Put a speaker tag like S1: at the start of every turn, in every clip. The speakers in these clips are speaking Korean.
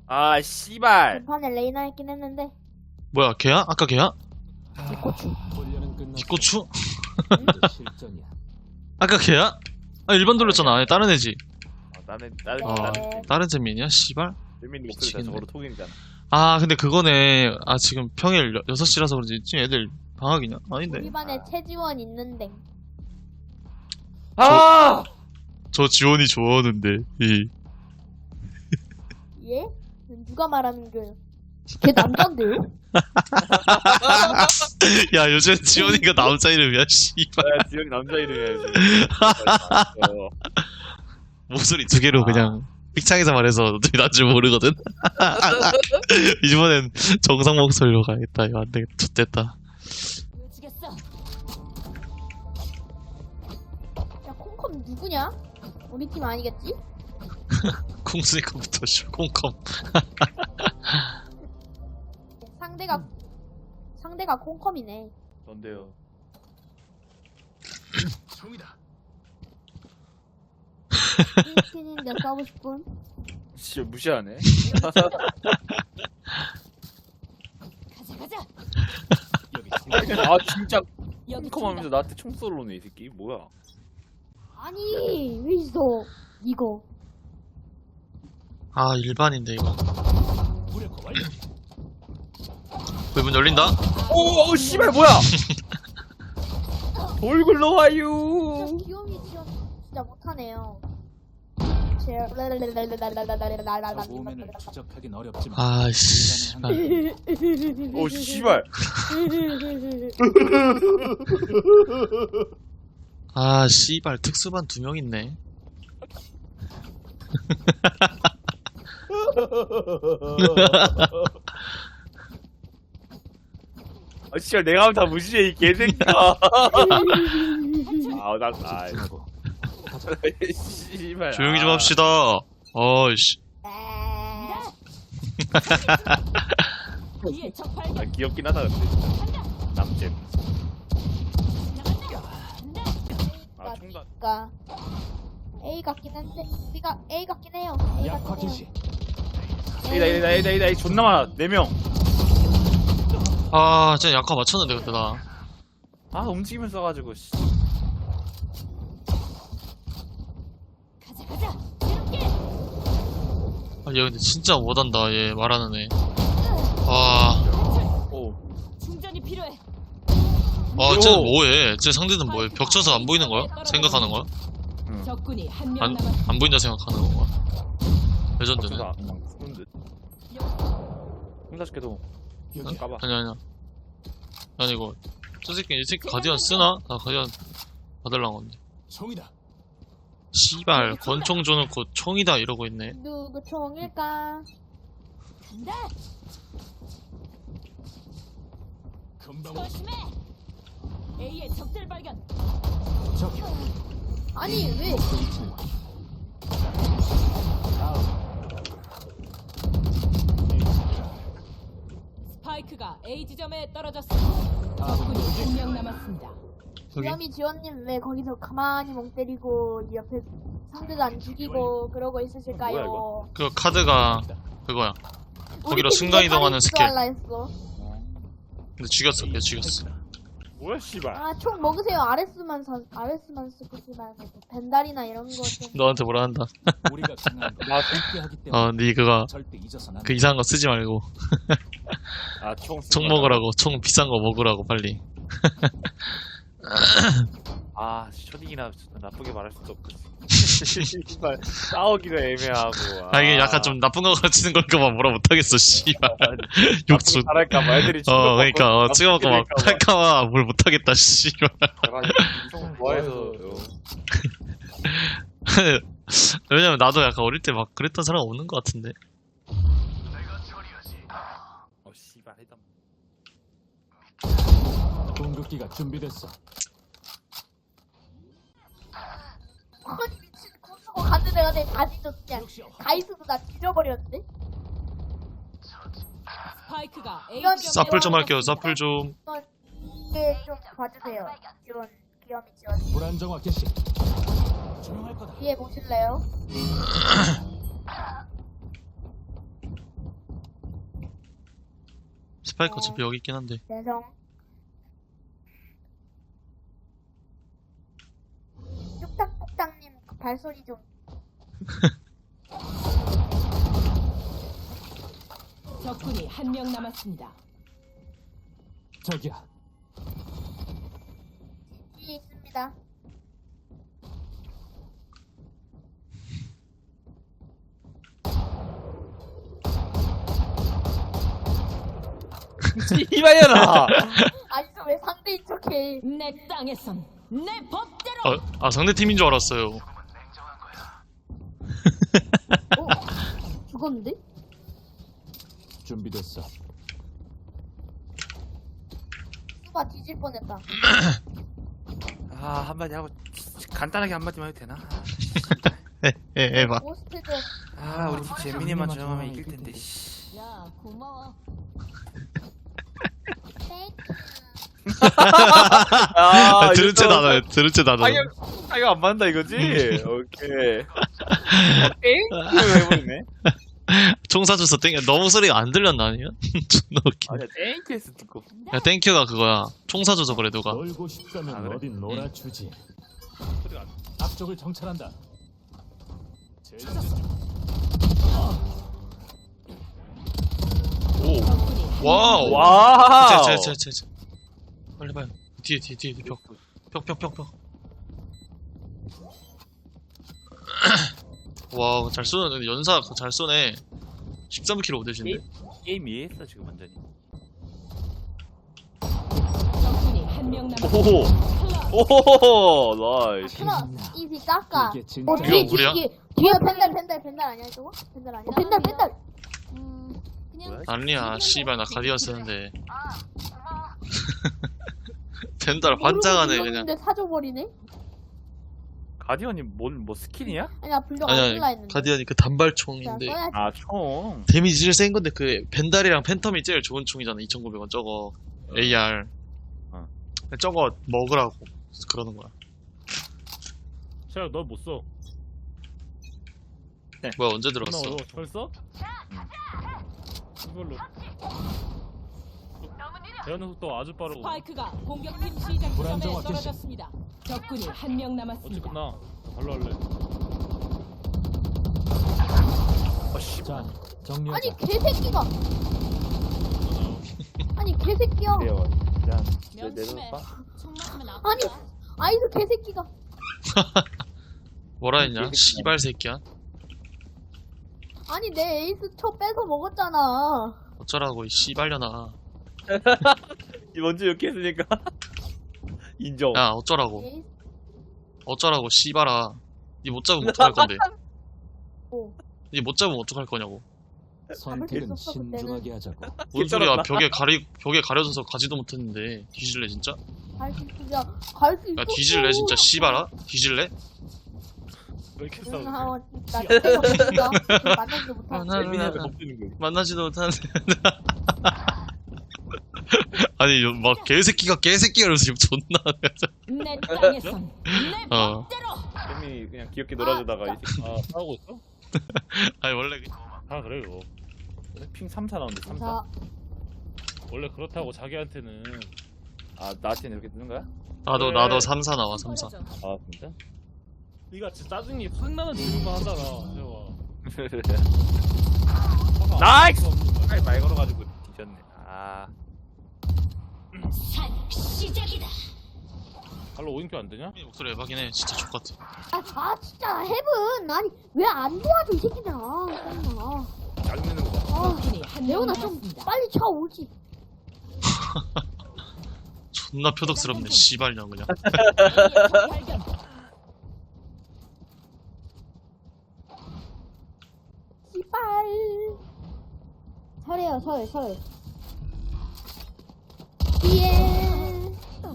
S1: 아 씨발.
S2: 전판에 레이나 했긴 했는데
S3: 뭐야 걔야? 아까 걔야?
S2: 고추.
S3: 뒷고추?
S4: 실전이야.
S3: 아까 걔야? 아 일반 돌렸잖아. 아니 다른 애지.
S1: 나는
S2: 네.
S3: 다른 재민이야? 씨발.
S1: 재민 목소리가
S3: 미치겠네.
S1: 저거로 톡인잖아.
S3: 아 근데 그거네. 아 지금 평일 6시라서 그런지 지금 애들 방학이냐? 아닌데.
S2: 우리 반에 최지원 있는데
S1: 아!
S3: 저 지원이 좋아하는데.
S2: 예? 누가 말하는 거예요? 걔 남잔데요?
S3: 야 요즘 지원이가 남자 이름이야 씨발.
S1: 야, 지영이 남자 이름이야 지금.
S3: 목소리 두 개로 그냥 픽창에서 말해서 어차피 난줄 모르거든. 이번엔 정상 목소리로 가야겠다. 이거 안 되겠다. 좋됐다.
S2: 야 콩컴 누구냐? 우리 팀 아니겠지?
S3: 콩스니커부터 씨 콩컴.
S2: 상대가 콩컴이네.
S1: 뭔데요?
S4: 총이다.
S2: 팀인데 싸우고 싶은?
S1: 씨 무시하네.
S5: 가자.
S4: 여기
S1: 아 진짜
S5: 여기
S1: 컴컴하면서 나한테 총 쏠러네 이 새끼. 뭐야?
S2: 아니 왜 있어 이거?
S3: 아 일반인데 이거.
S4: 무력화 완료.
S3: 문 열린다?
S1: 오 씨발 뭐야? 돌 굴러와요.
S2: 진짜 귀요미 지원 진짜 못하네요.
S4: 오면을 추적하긴 어렵지만
S3: 아씨.
S1: 오 씨발.
S3: 아 씨발 특수반 2명 있네.
S1: 아 씨발 내가 하면 다 무시해 이 개새끼야.
S4: 집중하고
S1: 씨발.
S3: 조용히 좀 합시다. 어이씨.
S5: 위에 적 발견.
S1: 아, 귀엽긴 하다 근데. 남잼. 아 총단.
S2: 그러니까 A 같긴 한데 우리가 A 같긴 해요. A
S4: 약화
S2: 같긴
S4: 개시.
S2: 해요.
S1: 에이다 존나 많아 4명.
S3: 아 진짜 약화 맞췄는데 그때 나.
S1: 아 움직이면서 써가지고 씨.
S5: 가자. 이렇게.
S3: 아, 얘 근데 진짜 못한다. 얘 말하는 애. 아,
S1: 오.
S5: 충전이 필요해.
S3: 쟤는 뭐해? 쟤 상대는 뭐해? 벽 쳐서 안 보이는 거야? 생각하는 거야?
S5: 적군이 한 명
S3: 안,
S5: 남았.
S3: 안 보인다 생각하는 건가? 레전드네.
S1: 아, 그냥 푸는 듯. 혼자시켜도
S4: 여기
S1: 까봐.
S3: 아니야. 아니 이거 이 새끼 가디언 쓰나? 나 가디언 받으려고 건데.
S4: 총이다.
S3: 씨발 권총 줘놓고 총이다 이러고 있네.
S2: 누구 총일까?
S5: 간다.
S4: 금방
S5: 조심해. A의 적들 발견.
S4: 저기
S2: 아니 왜?
S4: 위치는
S5: 스파이크가 A 지점에 떨어졌습니다. 적군이 한 명 남았습니다.
S3: 여기
S2: 귀요미 지원님 왜 거기서 가만히 멍 때리고 옆에 상대도 안 죽이고 그러고
S1: 뭐야,
S2: 있으실까요?
S1: 이거?
S3: 그 카드가 그거야. 거기로 순간 이동하는 스킬.
S2: 할라 했어.
S3: 근데 죽였어. 걔 죽였어.
S1: 뭐야 씨발.
S2: 아 총 먹으세요. RS만 쓰지 말고 벤달이나 이런 거 좀.
S3: 너한테 뭐라 한다.
S4: 우리가 강한 건
S1: 아,
S4: 함께 하기 때문에
S3: 네 그거
S4: 절대 잊어서는 안
S3: 그
S4: 돼.
S3: 이상한 거 쓰지 말고 총 먹으라고. 총 비싼 거 먹으라고 빨리.
S1: 아 초딩이나 나쁘게 말할 수도 없고. 씨발 싸우기도 애매하고.
S3: 아 이게 약간 좀 나쁜 거 가르치는 걸까봐 뭐라 못하겠어. 씨발. 욕수.
S1: 잘할까봐 애들이.
S3: 그러니까 찍어먹고 막 할까봐 뭘 못하겠다. 씨발.
S1: 총 좋아해서.
S3: 왜냐면 나도 약간 어릴 때 막 그랬던 사람 없는 것 같은데.
S1: 씨발 해담.
S4: 공격기가 준비됐어.
S2: 아니 미친 고수고 가는 애가 내다 뒤졌어. 그냥 가이스도 나 뒤져버렸는데?
S5: 스파이크가 A
S2: 이건
S5: 지점에
S3: 사플 좀 할게요. 사플 좀.
S2: 이게 좀 봐주세요. 귀요미 지원.
S4: 불안정화 개시. 조용할 거다.
S2: 뒤에 보실래요?
S3: 스파이크 어차피 여기 있긴 한데.
S2: 죄송. 뚝딱뚝딱님 그 발소리 좀.
S5: 적군이 한 명 남았습니다.
S4: 저기야.
S2: 뒤에 있습니다.
S1: 이봐야라.
S2: 아니 왜 상대인 척해?
S5: 내 땅에선 내 법대로.
S3: 상대 팀인 줄 알았어요.
S2: 죽었는데?
S4: 준비됐어.
S2: 수바 뒤질 뻔했다.
S1: 아 한마디 하고 간단하게 한마디만 해도 되나?
S3: 해봐.
S2: 고스트 좀.
S1: 아 우리 팀 재민이만 저형하면 이길 텐데. 씨.
S5: 야 고마워.
S3: 들은 채 나눠요. 들은 채 나눠요.
S1: 타격 안 맞는다 이거지? 오케이. 오케이? 이거 해버리네.
S3: 총 쏴줘서 땡큐. 너무 소리가 안 들렸나 아니야? 존나 웃기네.
S1: 아니야 땡큐 했어 듣고.
S3: 야 땡큐가 그거야. 총 쏴줘서 그래 누가.
S4: 놀고 싶다면
S1: 아, 그래?
S4: 어딘 놀아주지.
S1: 소리가 안
S4: 앞쪽을 정찰한다.
S3: 오.
S5: 적군이 한
S3: 와우.
S5: 명
S1: 와우.
S3: 제. 빨리 봐요. 뒤에 벽. 와, 잘 쏘네. 근데 연사 잘 쏘네. 13kg 오대신데.
S1: 게임 이해했어 지금 완전히.
S5: 적군이 한 명 남았습니다.
S1: 오호 나이스.
S2: 크라 이지 깎아.
S4: 이게 진짜
S3: 이거 우리야?
S2: 뒤에 펜달 아니야 저거? 펜달 아니야? 펜달.
S1: 뭐야?
S3: 아니야, 씨발 나 가디언 쓰는데. 벤달 환장하네 그냥.
S2: 근데 사줘버리네.
S1: 가디언이 뭐 스킨이야?
S2: 아니야 불려가 안 쓸라
S3: 아니야,
S2: 했는데.
S3: 가디언이 그
S2: 자,
S3: 단발총인데
S2: 써야지.
S1: 아 총.
S3: 데미지 센 건데 그 벤달이랑 팬텀이 제일 좋은 총이잖아. 2,900원 저거 AR. 저거 먹으라고 그러는 거야.
S6: 샤, 너 못 써.
S3: 뭐야 언제 들어갔어?
S6: 어려워. 벌써? 이걸로. 대하는 속도 아주 빠르고.
S5: 스파이크가 공격팀 시작 지점에
S4: 불안정화
S5: 떨어졌습니다. 적군이 한 명
S6: 어찌
S5: 남았습니다.
S6: 끝나? 발로 할래.
S4: 자, 정리하자.
S2: 아니 개새끼가. 아니 개새끼야.
S1: 그래요. 일단
S5: 명심해.
S1: 내려봐.
S5: 총 맞으면 아파.
S2: 아니 아이스 개새끼가.
S3: 뭐라 했냐? 씨발 새끼야.
S2: 아니 내 에이스 쳐 뺏어 먹었잖아.
S3: 어쩌라고 이 씨발려나.
S1: 먼저 이렇게 했으니까 인정.
S3: 야 어쩌라고.
S2: 에이스
S3: 어쩌라고 씨발아. 니 못 잡으면 어떡할 건데?
S2: 오.
S3: 니 못 잡으면 어떡할 거냐고.
S4: 선택은
S2: 없었어, 그때는.
S4: 신중하게 하자고.
S3: 뭔 소리야? 벽에 가려져서 가지도 못했는데 뒤질래 진짜?
S2: 갈수 있으면 갈수 있어.
S3: 야 뒤질래 진짜 씨발아? 뒤질래?
S6: 왜 이렇게
S2: 응,
S6: 싸우지?
S2: 나 때가 없으니까 만나지도 못하고.
S1: 재민이한테 못 드는 거지.
S3: 만나지도 못하는데. 아니 막 개새끼가 이러면서 지금 존나.
S5: 내 땅에선 내
S3: 어.
S5: 법대로.
S1: 재민이 그냥 귀엽게 놀아주다가 이제
S6: 아, 싸우고 있어?
S3: 아니 원래
S6: 다 그래, 이거.
S1: 핑 3사 나오는데 3사.
S2: 자,
S6: 원래 그렇다고 자기한테는.
S1: 아 나한테는 이렇게 뜨는 거야?
S3: 나도 3사 나와 3사.
S1: 아 진짜?
S6: 네가 진짜 짜증이 확 나는 질문만 하잖아, 세영아.
S1: 나이스! 빨리 말 걸어가지고 뒤졌네. 아
S6: 발로 5인큐 안 되냐?
S3: 목소리 대박이네 진짜 족같아.
S2: 진짜 헤븐. 아니 왜 안 도와줘 이 새끼들아. 짜증나.
S1: 짜증내는 거 봐.
S5: 적군이 한 명
S2: 레오나 좀
S5: 남았습니다.
S2: 빨리 쳐오지.
S3: 존나 표독스럽네 씨발년 그냥.
S5: 발견.
S2: 씨발. 설해요 설. 뒤에.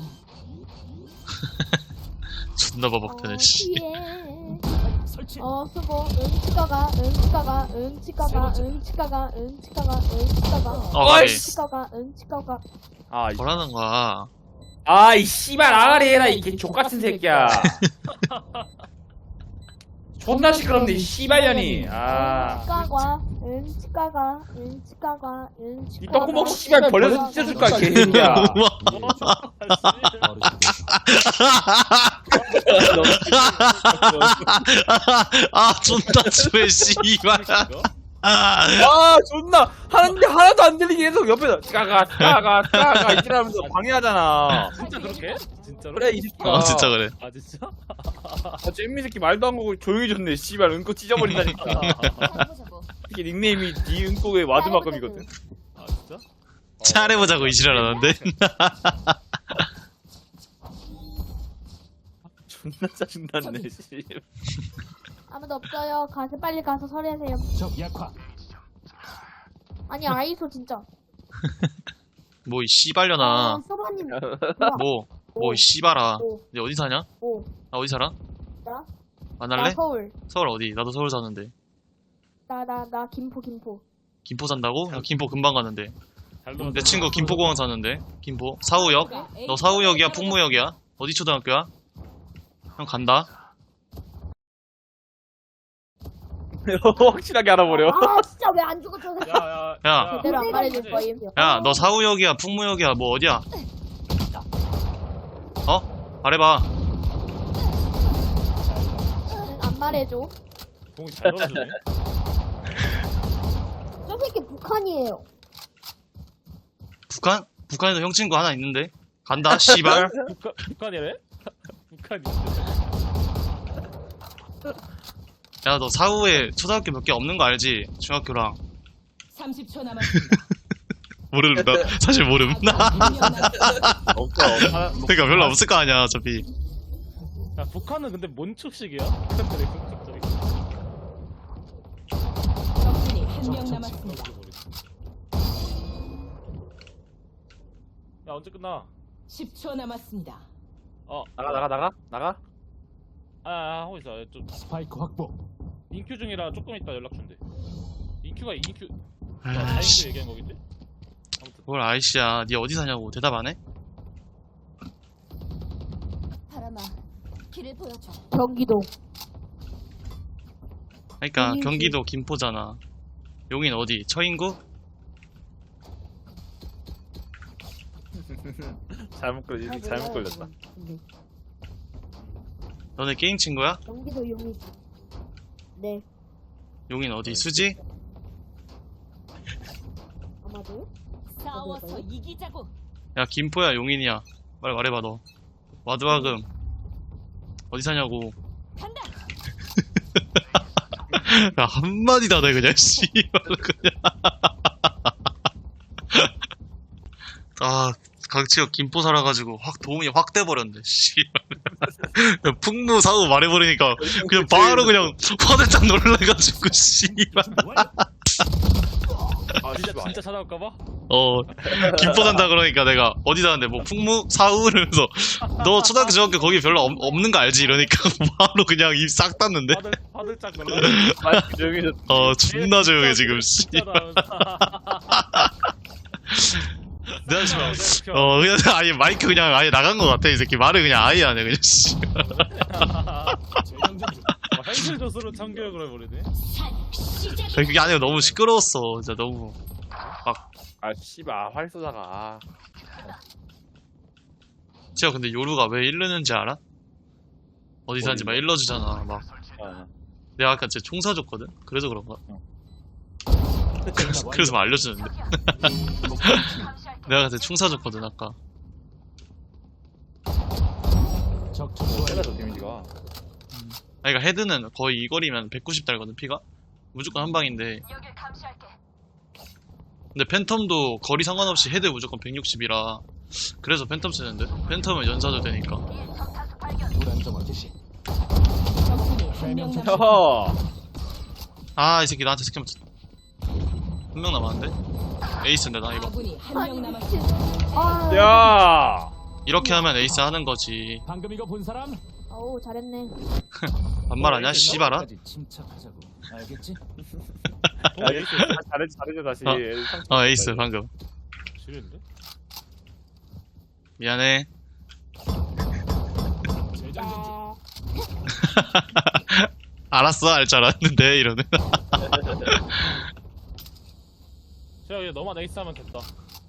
S3: 존나 버벅대네 씨.
S2: 뒤에.
S4: 설치.
S2: 수고. 응치가가. 응치가가.
S1: 아
S3: 뭐라는 거야?
S1: 아이 씨발 아가리 해라 이 개 족같은 새끼야. 존나 시끄럽네 이 씨발년이. 아
S2: 응치가가. 치과가
S7: 이 똥구멍 씨발 벌레서 찢어줄까 개새끼야.
S3: 아 존나 추해 씨발.
S7: 아 존나 하는데 하나도 안 들리게 계속 옆에서 까가 이지라면서 방해하잖아.
S6: 진짜 그렇게? 진짜로?
S7: 그래 이 새끼가.
S3: 아 진짜 그래.
S6: 아 진짜?
S7: 아, 잼미 새끼 말도 안 하고 조용히 줬네. 씨발 은꼬 찢어버린다니까. 이게 닉네임이 니 은꼬의 와드막금이거든.
S6: 아 진짜?
S3: 잘해보자고 이지랄하는데.
S7: 존나 짜증났네. 씨.
S2: 아무도 없어요. 빨리 가서 서리하세요.
S4: 적 약화.
S2: 아니 아이소 진짜.
S3: 뭐 이 씨발려나.
S2: 소바님.
S3: 뭐 이 씨발아.
S2: 오.
S3: 너 어디 사냐?
S2: 오.
S3: 나 어디 살아?
S2: 나?
S3: 만날래?
S2: 나 서울.
S3: 서울 어디? 나도 서울 사는데.
S2: 나 김포.
S3: 김포 산다고? 나 김포 금방 가는데.
S6: 잘
S3: 내
S6: 놀았다.
S3: 친구 김포공항 사는데. 김포 사우역? 너 사우역이야? 풍무역이야? 어디 초등학교야? 형 간다.
S7: 확실하게 알아버려.
S2: 아 진짜 왜 안 죽어 저 새끼.
S3: 야.
S2: 제대로 안 말해줄 거임.
S3: 야, 너 사우역이야? 풍무역이야? 뭐 어디야? 어? 말해봐.
S2: 안 말해줘.
S6: 공이 잘 놀아주네.
S2: 저 새끼 북한이에요.
S3: 북한? 북한에도 형 친구 하나 있는데. 간다. 씨발.
S6: 북한이래? 북한이.
S3: 야, 너 사후에 초등학교 몇 개 없는 거 알지? 중학교랑.
S5: 30초 남았습니다.
S3: 모름. 나 사실 모름.
S5: 한명 남았습니다.
S7: 없어.
S3: 그러니까 별로 없을 거 아니야, 어차피.
S6: 야 북한은 근데 뭔 축식이야? 북한들이 갑자기.
S5: 적군이 한명 남았습니다.
S6: 야 언제 끝나?
S5: 10초 남았습니다.
S7: 나가.
S6: 하고 있어. 좀
S4: 스파이크 확보.
S6: 인큐 중이라 조금 있다 연락 준대. 인큐.
S3: 아이씨.
S6: 다인큐 얘기한 거겠지? 아무튼
S3: 뭘 아이씨야. 니 어디 사냐고 대답 안 해?
S2: 바람아 길을 보여줘. 경기도.
S3: 그러니까
S2: 용인시.
S3: 경기도 김포잖아. 용인 어디? 처인구?
S7: 잘못 걸렸다.
S3: 너네 게임 친구야?
S2: 경기도 용인. 네.
S3: 용인 어디? 수지?
S2: 아마도.
S5: 싸워서 이기자고.
S3: 야 김포야 용인이야. 빨리 말해봐 너. 와드와금 어디 사냐고.
S5: 간다.
S3: 야 한마디 다 돼 그냥 씨발 그냥. 아 강치혁 김포 살아가지고 확 도움이 확 돼버렸네 씨발. 풍무 사우 말해버리니까 그냥 바로 그냥 화들짝 놀라가지고 씨발.
S7: 아
S6: 진짜 찾아올까봐?
S3: 김포 산다 그러니까 내가 어디 사는데 뭐 풍무 사우 이러면서 너 초등학교 중학교 거기 별로 없는 거 알지 이러니까 바로 그냥 입 싹 닫는데.
S6: 화들짝 놀라.
S7: 마이크 조용히 좀.
S3: 존나 조용해 지금 씨발. 내가 지금 그냥 아예 마이크 그냥 아예 나간 거 같아 이 새끼. 말을 그냥 아예 안 해 그냥 씨발.
S6: 현실 조수로 참교육을 해버리네.
S3: 그게 아니고 너무 시끄러웠어 진짜 너무.
S7: 아 씨발 활 쏘다가.
S3: 진짜 근데 요루가 왜 일르는지 알아? 어디 사는지 막 일러주잖아 막. 내가 아까 진짜 총 사줬거든? 그래서 그런가? 그래서 막 알려주는데. 내가 그때 총 사줬거든 아까.
S4: 적
S7: 세가죠 데미지가.
S3: 아니 그니까 헤드는 거의 이 거리면 190 달거든 피가? 무조건 한 방인데. 근데 팬텀도 거리 상관없이 헤드 무조건 160이라 그래서 팬텀 쓰는데? 팬텀은 연사도 되니까.
S4: 불안정화 개시.
S5: 적군이 한명 남았습니다.
S7: 허.
S3: 아 이 새끼 나한테 스캔 맞췄다. 한 명 남았는데? 에이스인데 나 이거.
S5: 아군이 한명 남았습니다.
S2: 아.
S7: 야.
S3: 이렇게 하면 에이스 하는 거지.
S4: 방금 이거 본 사람?
S2: 어우 잘했네.
S3: 반말하냐 씨발아?
S4: 까지 침착하자고. 알겠지?
S7: 잘해줘 다시.
S3: 에이스 방금.
S6: 지렸는데?
S3: 미안해.
S4: 재장전 중.
S3: 알았어 알 줄 알았는데 이러네.
S6: 제가 이제 너만 에이스 하면 됐다.